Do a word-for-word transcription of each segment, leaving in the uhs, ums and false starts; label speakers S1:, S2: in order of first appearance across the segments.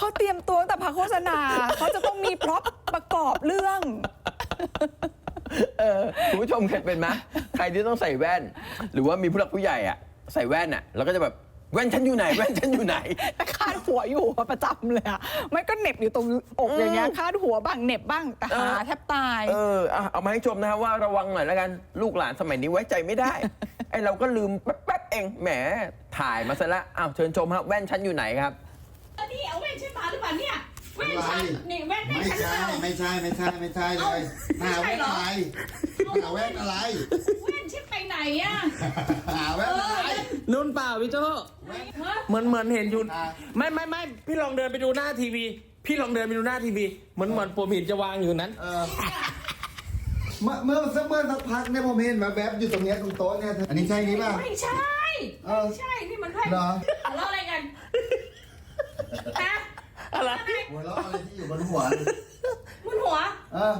S1: เตรียมตัวตั้งแต่พักโฆษณาเขาจะต้องมีพร็อพประกอบเรื่อง
S2: เออคุณผู้ชมเคยเป็นไหมใครที่ต้องใส่แว่น หรือว่ามีผู้หลักผู้ใหญ่อะใส่แว่นอะแล้วก็จะแบบแว่นฉันอยู่ไหนแว่นฉันอยู่ไหน
S1: แต่คาดหัวอยู่ประจำเลยอะไม่ก็เหน็บอยู่ตรงอกอย่างเงี้ยคาดหัวบ้างเหน็บบ้างแต่หาแทบตาย
S2: เออเอามาให้ชมนะครับว่าระวังหน่อยแล้วกันลูกหลานสมัยนี้ไว้ใจไม่ได้ไอเราก็ลืมแป๊บๆเองแหมถ่ายมาซะละอ้าวเชิญชมครับแว่นฉันอยู่ไหนครับ
S3: นี่เอาแว่นฉันมาหรือเปล่าเนี่ยแว่นฉันนี่แว่นแว่น
S4: ไม่
S3: ฉันหรือ
S4: ใช่
S3: เปล่า
S4: ไม่ใช่ไม่ใช่ไม่ใช่เลยหาแว่นอะไรหาแว่นอะไร
S3: แว่นฉันไปไหนอะ
S4: หาแว่นอะไร
S5: นุ่นเปล่าพี่โจ้เหมือนเหมือนเห็นอยู่ไม่ไม่ไม่พี่ลองเดินไปดูหน้าทีวี พี่ลองเดินไปดูหน้าทีวีเหมือนเหมือนผมเห็นจะวางอยู่นั้น
S4: เออเมื่อเมื่อสักเมื่อสักพักเนี่ยผมเห็นมาแวบอยู่ตรงเนี้ยตรงโต๊ะเนี่ยอันนี้ใช่นี้ป่ะ
S3: ไม่ใช่ไม่ใช่นี่มันแว่น
S4: เหรอ
S3: แล้วอะไรกันฮะ
S5: อะไร
S4: หัวเราะอะไรที่อยู่บนหัว
S3: บนหัว
S4: เออ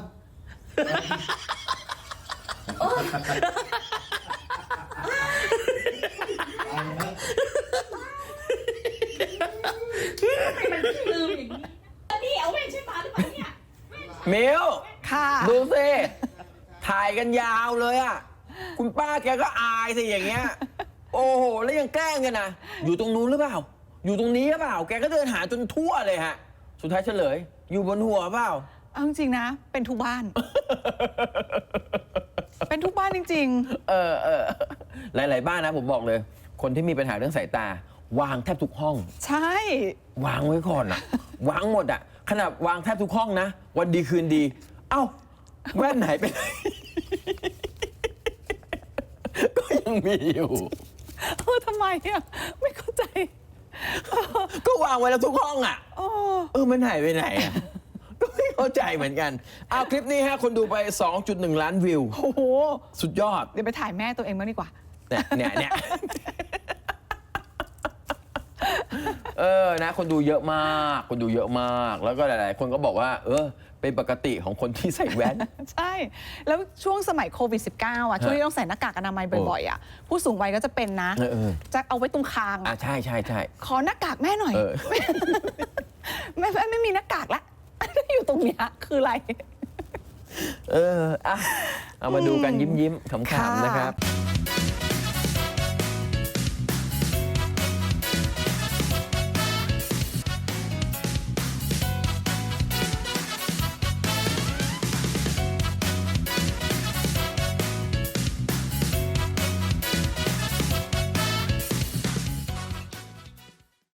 S3: มันลืมอย่างนี้นี่เอาแว่นฉันมาหรือเปล่าเนี่ย
S2: มิว
S1: ค่ะ
S2: ดูสิถ่ายกันยาวเลยอ่ะคุณป้าแกก็อายสิอย่างเงี้ยโอ้โหแล้วยังแกล้งกันนะอยู่ตรงนู้นหรือเปล่าอยู่ตรงนี้หรือเปล่าแกก็เดินหาจนทั่วเลยฮะสุดท้ายเฉลยอยู่บนหัวเปล่า
S1: เอาจริงๆนะเป็นทุกบ้าน เป็นทุกบ้านจริง
S2: ๆเออเออหลายๆบ้านนะผมบอกเลยคนที่มีปัญหาเรื่องสายตาวางแทบทุกห้อง
S1: ใช่
S2: วางไว้ก่อนอะวางหมดอะขนาดวางแทบทุกห้องนะวันดีคืนดีเอ้าแว่นไหนไปไหน ก็ยังมีอยู่
S1: เออทำไมอะไม่เข้าใจ
S2: ก็วางไว้แล้วทุกห้องอะเออมันหายไปไหนอะก็ไม่เข้าใจเหมือนกันเอาคลิปนี้ฮะคนดูไป สองจุดหนึ่ง ล้านวิว
S1: โอ้โห
S2: สุดยอด
S1: เดี๋ยวไปถ่ายแม่ตัวเองบ้างดีกว่า
S2: เนี่ยเนี่ยเนี่ยเออนะคนดูเยอะมากคนดูเยอะมากแล้วก็หลายๆคนก็บอกว่าเออเป็นปกติของคนที่ใส่แว่น
S1: ใช่แล้วช่วงสมัยโควิด สิบเก้า อ่ะช่วงที่ต้องใส่หน้ากากอนามัยบ่อยๆอ่ะผู้สูงวัยก็จะเป็นนะจะเอาไว้ตรงคาง
S2: อ่ะใช่ใช่ใช่
S1: ขอหน้ากากแม่หน่อยแม่แม่ไม่มีหน้ากากละอยู่ตรงเนี้ยคืออะไร
S2: เอออ่ะเอามาดูกันยิ้มๆขำๆนะครับ